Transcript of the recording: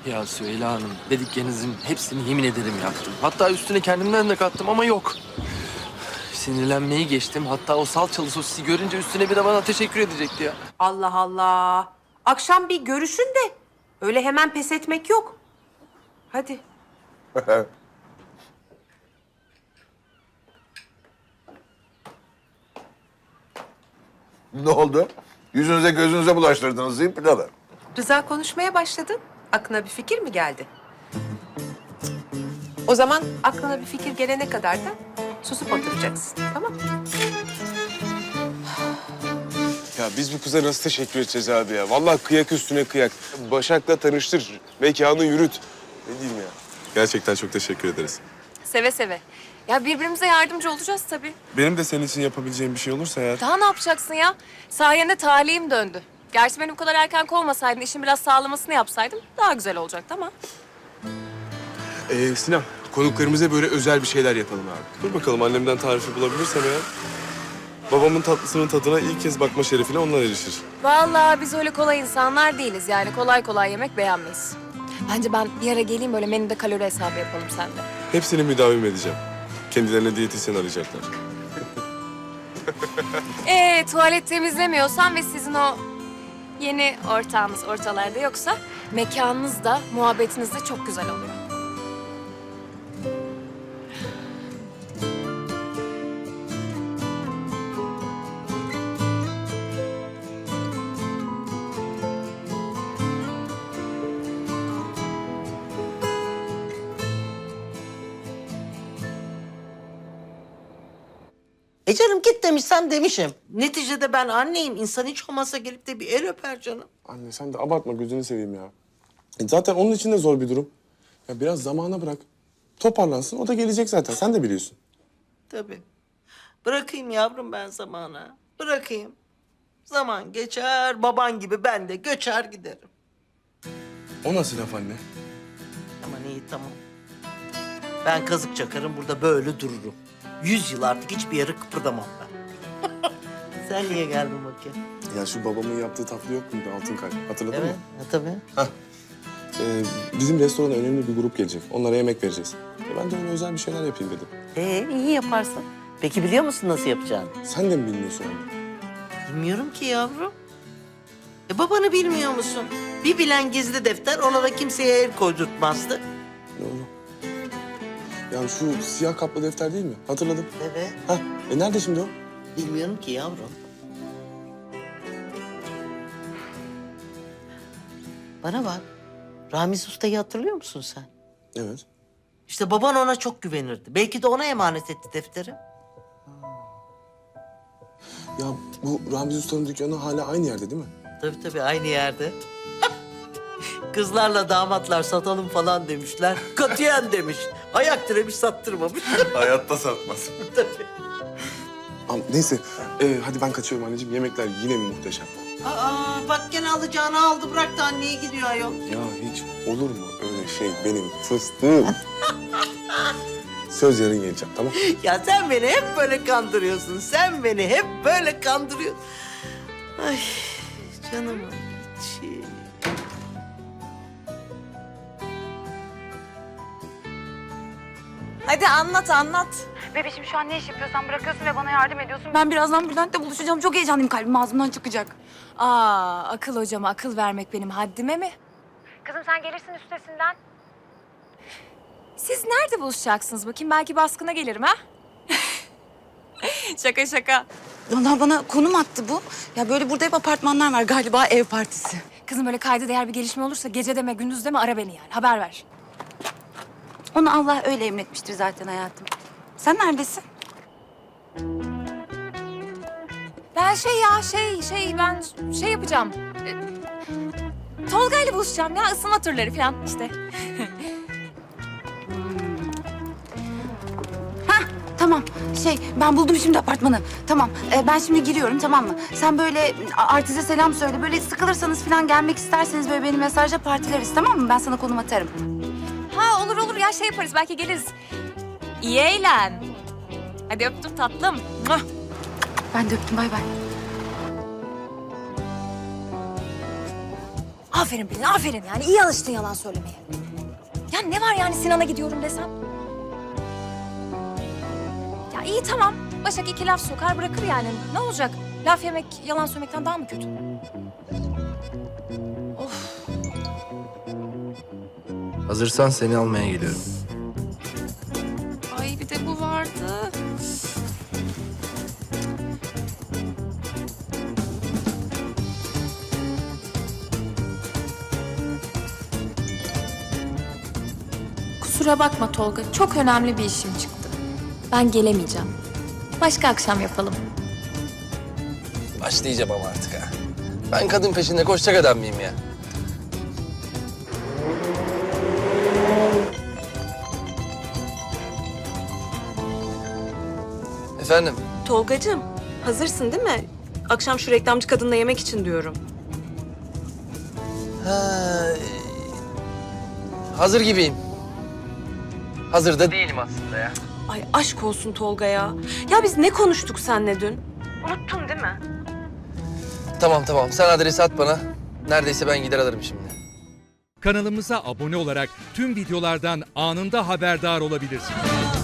Ya Süheyla Hanım, dediklerinizin hepsini yemin ederim yaptım. Hatta üstüne kendimden de kattım ama yok. Sinirlenmeyi geçtim. Hatta o salçalı sosisi görünce üstüne bir de bana teşekkür edecekti ya. Allah Allah. Akşam bir görüşün de öyle hemen pes etmek yok. Hadi. Ne oldu? Yüzünüze gözünüze bulaştırdınız değil mi pilavı? Rıza konuşmaya başladın. Aklına bir fikir mi geldi? O zaman aklına bir fikir gelene kadar da susup oturacaksın. Tamam mı? Ya biz bu kıza nasıl teşekkür edeceğiz abi ya? Vallahi kıyak üstüne kıyak. Başak'la tanıştır, mekanı yürüt. Ne diyeyim ya? Gerçekten çok teşekkür ederiz. Seve seve. Ya birbirimize yardımcı olacağız tabii. Benim de senin için yapabileceğim bir şey olursa eğer... Daha ne yapacaksın ya? Sayende talihim döndü. Gerçi beni bu kadar erken kovmasaydın, işin biraz sağlamasını yapsaydım daha güzel olacaktı ama. Sinan, konuklarımıza böyle özel bir şeyler yapalım abi. Dur bakalım annemden tarifi bulabilirsem eğer... Babamın tatlısının tadına ilk kez bakma şerefine onlar erişir. Vallahi biz öyle kolay insanlar değiliz yani. Kolay kolay yemek beğenmeyiz. Bence ben bir ara geleyim böyle menüde kalori hesabı yapalım sende. Hepsini müdavim edeceğim. Kendilerine diyetisyen arayacaklar. Tuvalet temizlemiyorsan ve sizin o yeni ortağınız ortalarda yoksa mekanınız da muhabbetiniz de çok güzel oluyor. Canım git demişsem demişim. Neticede ben anneyim. İnsan hiç olmazsa gelip de bir el öper canım. Anne sen de abartma gözünü seveyim ya. Zaten onun için de zor bir durum. Ya biraz zamana bırak. Toparlansın o da gelecek zaten sen de biliyorsun. Tabii. Bırakayım yavrum ben zamana. Bırakayım. Zaman geçer, baban gibi ben de göçer giderim. O nasıl laf anne? Aman iyi tamam. Ben kazık çakarım burada böyle dururum. 100 yıl artık hiçbir yere kıpırdamam ben. Sen niye geldin bakayım? Ya şu babamın yaptığı tatlı yok muydu altın kalp? Hatırladın Evet, mı? tabii. Bizim restorana önemli bir grup gelecek. Onlara yemek vereceğiz. Ben de öyle özel bir şeyler yapayım dedim. İyi yaparsın. Peki biliyor musun nasıl yapacağını? Sen de mi bilmiyorsun anne? Bilmiyorum ki yavrum. Babanı bilmiyor musun? Bir bilen gizli defter ona da kimseye el koydurtmazdı. Doğru. Ya şu siyah kaplı defter değil mi? Hatırladım. Evet. Hah, nerede şimdi o? Bilmiyorum ki yavrum. Bana bak. Ramiz Usta'yı hatırlıyor musun sen? Evet. İşte baban ona çok güvenirdi. Belki de ona emanet etti defteri. Ya bu Ramiz Usta'nın dükkanı hala aynı yerde değil mi? Tabii aynı yerde. Kızlarla damatlar satalım falan demişler. Katiyen demiş. Ayak diremiş sattırmamış. Hayatta satmaz. Tabii. Ama neyse, hadi ben kaçıyorum anneciğim. Yemekler yine mi muhteşem? Bak gene alacağını aldı bıraktı anneye gidiyor ayol. Ya hiç olur mu öyle şey benim fıstığım? Söz yarın geleceğim, tamam? Ya sen beni hep böyle kandırıyorsun. Sen beni hep böyle kandırıyorsun. Ay canımın içi. Hadi anlat anlat. Bebişim şu an ne iş yapıyorsan bırakıyorsun ve bana yardım ediyorsun. Ben birazdan Bülent'le buluşacağım. Çok heyecanlıyım. Kalbim ağzımdan çıkacak. Akıl hocama akıl vermek benim haddime mi? Kızım sen gelirsin üstesinden. Siz nerede buluşacaksınız bakayım? Belki baskına gelirim ha? Şaka şaka. Vallahi bana konum attı bu. Ya böyle burada hep apartmanlar var. Galiba ev partisi. Kızım öyle kayda değer bir gelişme olursa gece deme gündüz deme ara beni yani. Haber ver. Onu Allah öyle emretmiştir zaten hayatım. Sen neredesin? Ben ben şey yapacağım. Tolga ile buluşacağım ya ısınma turları falan işte. Tamam. Ben buldum şimdi apartmanı. Tamam. Ben şimdi giriyorum tamam mı? Sen böyle Artiz'e selam söyle. Böyle sıkılırsanız falan gelmek isterseniz böyle beni mesajla partileriz tamam mı? Ben sana konum atarım. Ha olur ya şey yaparız belki geliriz. İyi eğlen. Hadi öptüm tatlım. Muah. Ben de öptüm bay bay. Aferin Pelin, aferin. Yani iyi alıştın yalan söylemeye. Ya ne var yani Sinan'a gidiyorum desem? Ya iyi tamam. Başak 2 laf sokar bırakır yani. Ne olacak? Laf yemek yalan söylemekten daha mı kötü? Hazırsan seni almaya geliyorum. Ay bir de bu vardı. Kusura bakma Tolga. Çok önemli bir işim çıktı. Ben gelemeyeceğim. Başka akşam yapalım. Başlayacağım ama artık ha. Ben kadın peşinde koşacak adam mıyım ya? Efendim? Tolgacığım, hazırsın değil mi? Akşam şu reklamcı kadınla yemek için diyorum. Ha, hazır gibiyim. Hazır da değilim aslında ya. Ay aşk olsun Tolga ya. Ya biz ne konuştuk seninle dün? Unuttun değil mi? Tamam sen adresi at bana. Neredeyse ben gider alırım şimdi. Kanalımıza abone olarak tüm videolardan anında haberdar olabilirsiniz.